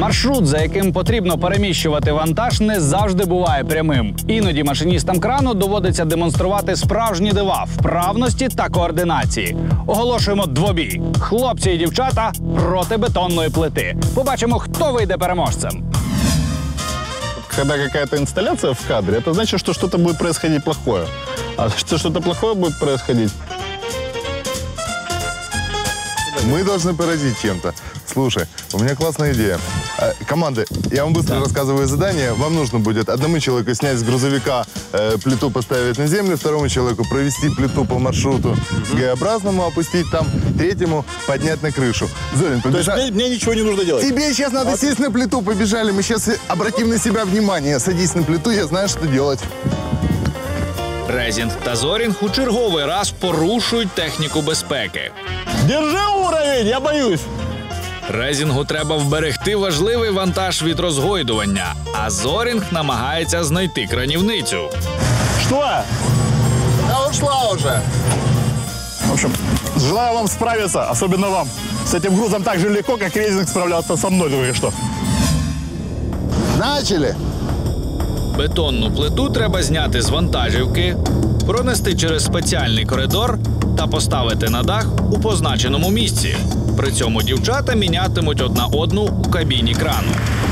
Маршрут, за яким потрібно переміщувати вантаж, не завжди буває прямим. Іноді машиністам крану доводиться демонструвати справжні дива вправності та координації. Оголошуємо двобій. Хлопці і дівчата проти бетонної плити. Побачимо, хто вийде переможцем. Когда какая-то инсталляция в кадре, это значит, что что-то будет происходить плохое. А если что-то плохое будет происходить, мы должны поразить чем-то. Слушай, у меня классная идея. Команды, я вам быстро рассказываю задание. Вам нужно будет одному человеку снять с грузовика плиту, поставить на землю, второму человеку провести плиту по маршруту Г-образному, опустить там, третьему поднять на крышу. Зорин, побежали. то есть мне ничего не нужно делать? Тебе сейчас надо сесть на плиту, побежали. Мы сейчас обратим на себя внимание. Садись на плиту, я знаю, что делать. Резінг та Зорінг у черговий раз порушують техніку безпеки. Держи уровень, я боюсь. Резінгу треба вберегти важливий вантаж від розгойдування, а Зорінг намагається знайти кранівницю. Что? Да ушла уже. В общем, желаю вам справиться, особенно вам. С этим грузом так же легко, как Резинг справлялся со мной только что. Начали. Бетонну плиту треба зняти з вантажівки, пронести через спеціальний коридор та поставити на дах у позначеному місці. При цьому дівчата мінятимуть одна одну у кабіні крану.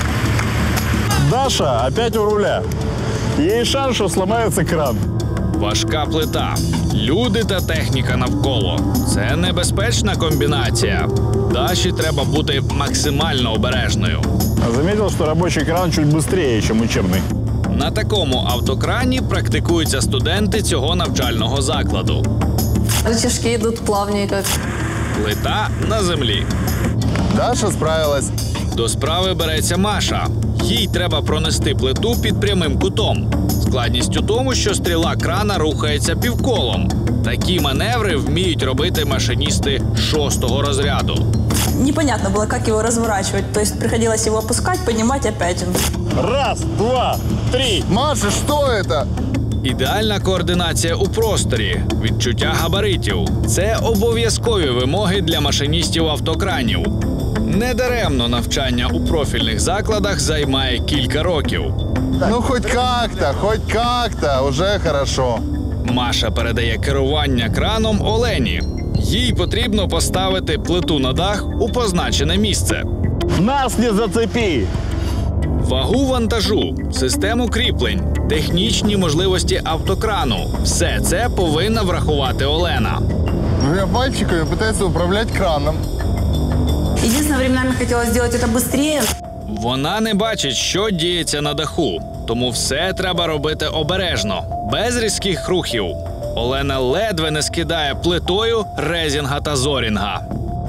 Даша опять у руля. Есть шанс, что сломается кран. Важка плита, люди та техніка навколо. Це небезпечна комбінація. Даші треба бути максимально обережною. Заметил, что рабочий кран чуть быстрее, чем учебный. На такому автокрані практикуються студенти цього навчального закладу. Рычажки идут плавненько. Плита на землі. Даша справилась. До справи береться Маша. Їй треба пронести плиту під прямим кутом. Складність у тому, що стріла крана рухається півколом. Такі маневри вміють робити машиністи 6-го розряду. Непонятно было, как его разворачивать. То есть приходилось его опускать, поднимать опять. Раз, два, три. Маша, что это? Ідеальна координація у просторі, відчуття габаритів – це обов'язкові вимоги для машиністів автокранів. Недаремно навчання у профільних закладах займає кілька років. Ну, хоть как-то, уже хорошо. Маша передає керування краном Олені. Їй потрібно поставити плиту на дах у позначене місце. Нас не зацепи. Вагу вантажу, систему кріплень, технічні можливості автокрану – все це повинна врахувати Олена. Двумя пальчиками пытается управлять краном. Единственное, временами хотелось сделать это быстрее. Вона не бачить, що діється на даху, тому все треба робити обережно, без різких рухів. Олена ледве не скидає плитою Резінга та Зорінга.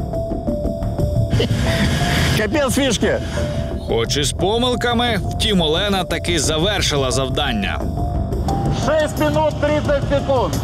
Капец фишки. Хоч і з помилками, втім Олена таки завершила завдання. 6 минут 30 секунд.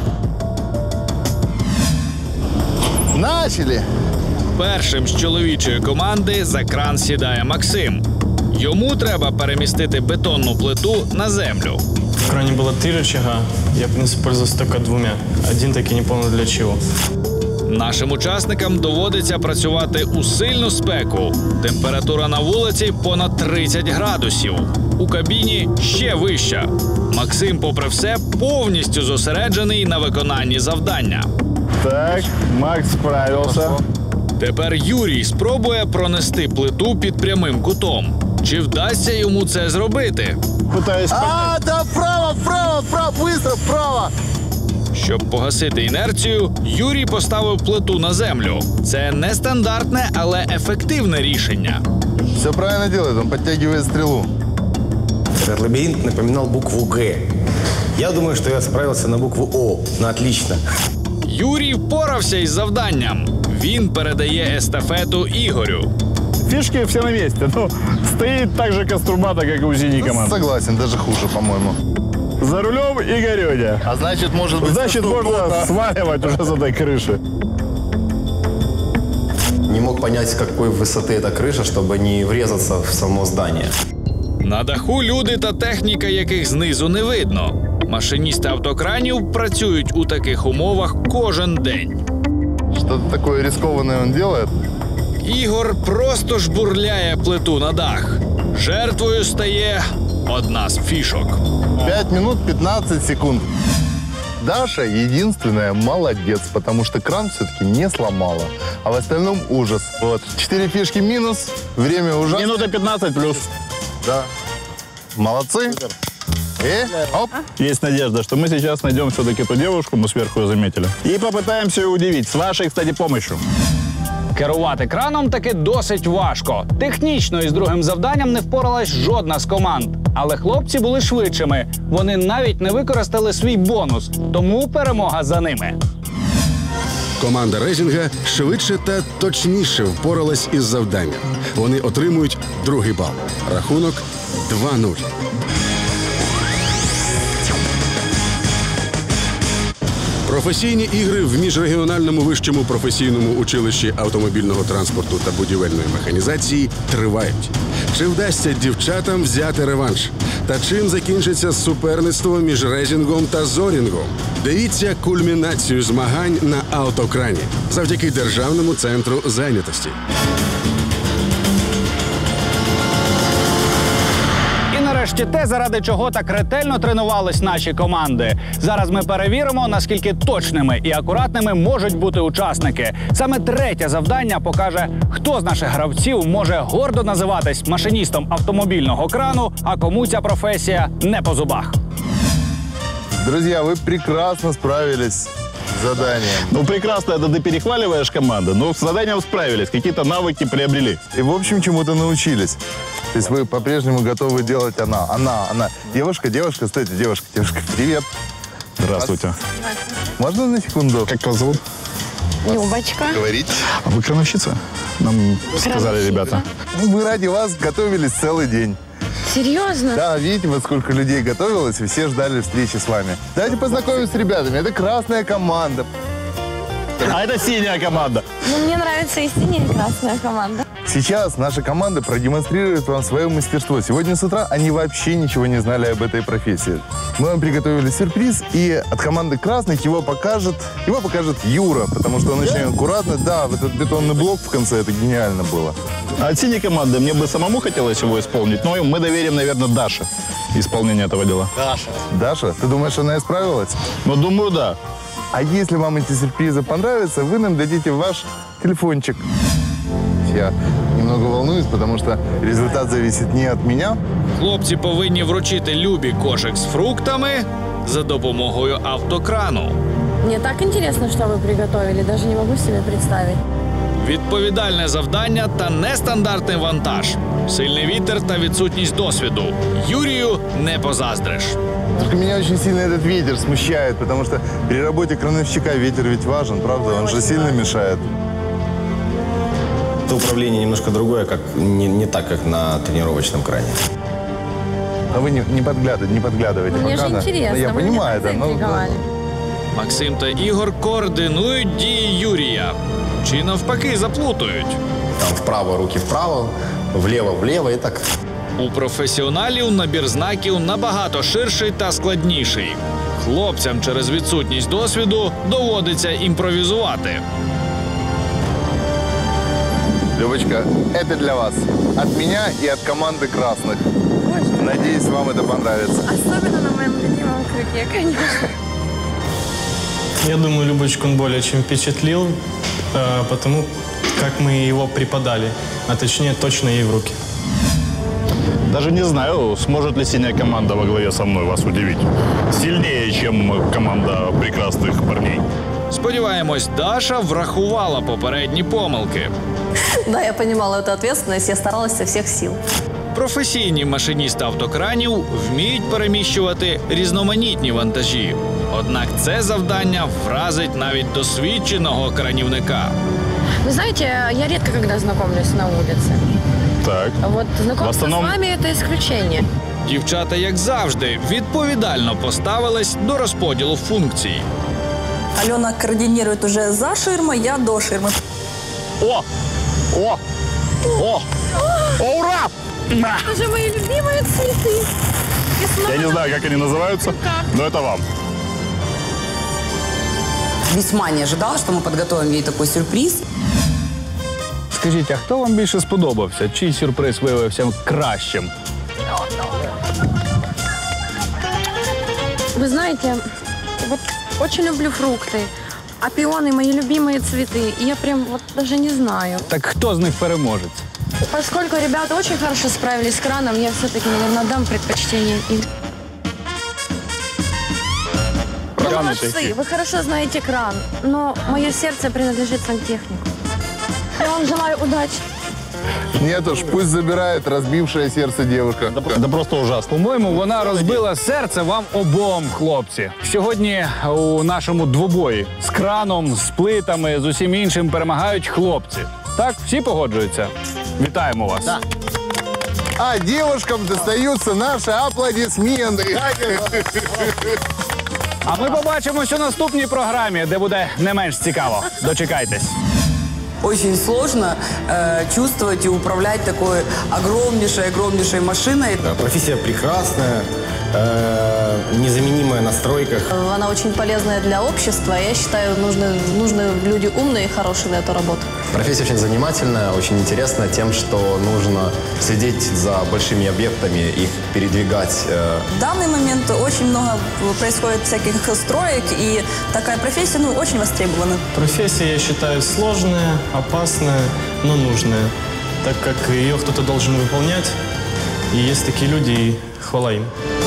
Начали. Першим з чоловічої команди за кран сідає Максим. Йому треба перемістити бетонну плиту на землю. В кране было 3 рычага, я, в принципе, пользовался только 2. Один таки не понял для чего. Нашим учасникам доводиться працювати у сильну спеку. Температура на вулиці понад 30 градусів. У кабіні ще вища. Максим, попри все, повністю зосереджений на виконанні завдання. Так, Макс справился. Тепер Юрій спробує пронести плиту під прямим кутом. Чи вдасться йому це зробити? Пытаюсь понять. Да, вправо, быстро, вправо. Щоб погасити інерцію, Юрій поставив плиту на землю. Це нестандартне, але ефективне рішення. Все правильно делает, он подтягивает стрелу. Этот лабиринт напоминал букву «Г». Я думаю, что я справился на букву «О». На отлично. Юрій впорався із завданням. Він передає естафету Ігорю. Фишки все на месте. Ну, стоит так же каструбата, как и у синей команды. Согласен, даже хуже, по-моему. За рулем Игорёня. А значит, может быть... Значит, можно сваливать уже с этой крыши. Не мог понять, с какой высоты эта крыша, чтобы не врезаться в само здание. На даху люди та техніка, яких знизу не видно. Машиністи автокранів працюють у таких умовах кожен день. Что-то такое рискованное он делает. Ігор просто жбурляє плиту на дах. Жертвою стає одна з фішок. 5 минут 15 секунд. Даша единственная молодец, потому что кран все-таки не сломала. А в остальном ужас. Вот. 4 фишки минус, время ужасно. Минута 15 плюс. Да. Молодцы. Оп. Есть надежда, что мы сейчас найдем все-таки ту девушку, мы сверху ее заметили. И попытаемся ее удивить. С вашей, кстати, помощью. Керувати краном таки досить важко. Технічно із другим завданням не впоралась жодна з команд. Але хлопці були швидшими. Вони навіть не використали свій бонус. Тому перемога за ними. Команда Резінга швидше та точніше впоралась із завданням. Вони отримують другий бал. Рахунок 2-0. Професійні ігри в міжрегіональному вищому професійному училищі автомобільного транспорту та будівельної механізації тривають. Чи вдасться дівчатам взяти реванш? Та чим закінчиться суперництво між Резінгом та Зорінгом? Дивіться кульмінацію змагань на автокрані завдяки Державному центру зайнятості. І нарешті те, заради чого так ретельно тренувались наші команди. Зараз ми перевіримо, наскільки точними і акуратними можуть бути учасники. Саме третє завдання покаже, хто з наших гравців може гордо називатись машиністом автомобільного крану, а кому ця професія не по зубах. Друзья, вы прекрасно справились с заданием. Ну, прекрасно, это ты перехваливаешь команду, но с заданием справились, какие-то навыки приобрели. И, в общем, чему-то научились. То есть вы по-прежнему готовы делать она. Девушка, стойте, девушка, привет. Здравствуйте. Можно на секунду? Как вас зовут? Любочка. Говорить? А вы крановщица? Нам сказали ребята. Ну, мы ради вас готовились целый день. Серьезно? Да, видите, вот сколько людей готовилось, и все ждали встречи с вами. Давайте познакомимся с ребятами. Это красная команда. А это синяя команда. Ну, мне нравится и синяя, и красная команда. Сейчас наша команда продемонстрирует вам свое мастерство. Сегодня с утра они вообще ничего не знали об этой профессии. Мы вам приготовили сюрприз, и от команды красных его покажет Юра, потому что он очень аккуратно. Да, вот этот бетонный блок в конце, это гениально было. А от синей команды мне бы самому хотелось его исполнить, но мы доверим, наверное, Даше исполнение этого дела. Даша, ты думаешь, она исправилась? Ну, думаю, да. А если вам эти сюрпризы понравятся, вы нам дадите ваш телефончик. Я немного волнуюсь, потому что результат зависит не от меня. Хлопці повинні вручити Любі кошик з фруктами за допомогою автокрану. Мне так интересно, что вы приготовили, даже не могу себе представить. Відповідальне завдання та нестандартний вантаж. Сильний вітер та відсутність досвіду. Юрію не позаздриш. Только меня очень сильно этот ветер смущает, потому что при работе крановщика ветер ведь важен, правда? Он же сильно мешает. Это управление немножко другое, как не так, как на тренировочном кране. Но вы не подглядывайте. Мне пока, же да. интересно, Ну, я вы понимаю, меня да. заинтриговали. Максим та Ігор координують дії Юрія. Чи навпаки заплутають. Там вправо, руки вправо, влево и так. У професіоналів набір знаків набагато ширший та складніший. Хлопцям через відсутність досвіду доводиться імпровізувати. Любочка, это для вас. От меня и от команды красных. Надеюсь, вам это понравится. Особенно на моем любимом крюке, конечно. Я думаю, Любочку он более чем впечатлил, потому как мы его преподали, а точнее точно ей в руки. Даже не знаю, сможет ли синяя команда во главе со мной вас удивить. Сильнее, чем команда прекрасных парней. Сподіваємось, Даша врахувала попередні помилки. Да, я понимала эту ответственность, я старалась со всех сил. Професійні машиністи автокранів вміють переміщувати різноманітні вантажі. Однак це завдання вразить навіть досвідченого кранівника. Вы знаете, я редко когда знакомлюсь на улице. Так. А вот знакомство В основном- с вами – это исключение. Дівчата, як завжди, відповідально поставились до розподілу функцій. Алена координирует уже за ширмой, я до ширмы. О! О! О! О, ура! Это же мои любимые цветы. И снова Я не знаю, как они называются, но это вам. Весьма не ожидала, что мы подготовим ей такой сюрприз. Скажіть, а хто вам більше сподобався? Чий сюрприз виявився кращим? Вы знаете, вот очень люблю фрукты. А пионы мои любимые цветы. И я прям вот даже не знаю. Так хто з них переможець? Поскольку ребята очень хорошо справились с краном, я все-таки, наверное, дам предпочтение им. Вы молодцы, вы хорошо знаете кран, но мое сердце принадлежит сантехнику. Я вам желаю удачи. Нет уж, пусть забирает разбившее сердце девушка. Да просто ужасно. По-моєму, вона розбила серце вам обом, хлопці. Сьогодні у нашому двобої з краном, з плитами, з усім іншим перемагають хлопці. Так, всі погоджуються? Вітаємо вас. Да. А девушкам достаются наши аплодисменты. А ми побачимось у наступній програмі, де буде не менш цікаво. Дочекайтесь. Очень сложно чувствовать и управлять такой огромнейшей машиной. Профессия прекрасная, незаменимая на стройках. Она очень полезная для общества. Я считаю, нужны люди умные и хорошие на эту работу. Профессия очень занимательная, очень интересная тем, что нужно следить за большими объектами, их передвигать. В данный момент очень много происходит всяких строек, и такая профессия очень востребована. Профессия, я считаю, сложная, опасная, но нужная, так как ее кто-то должен выполнять. И есть такие люди, и хвала им.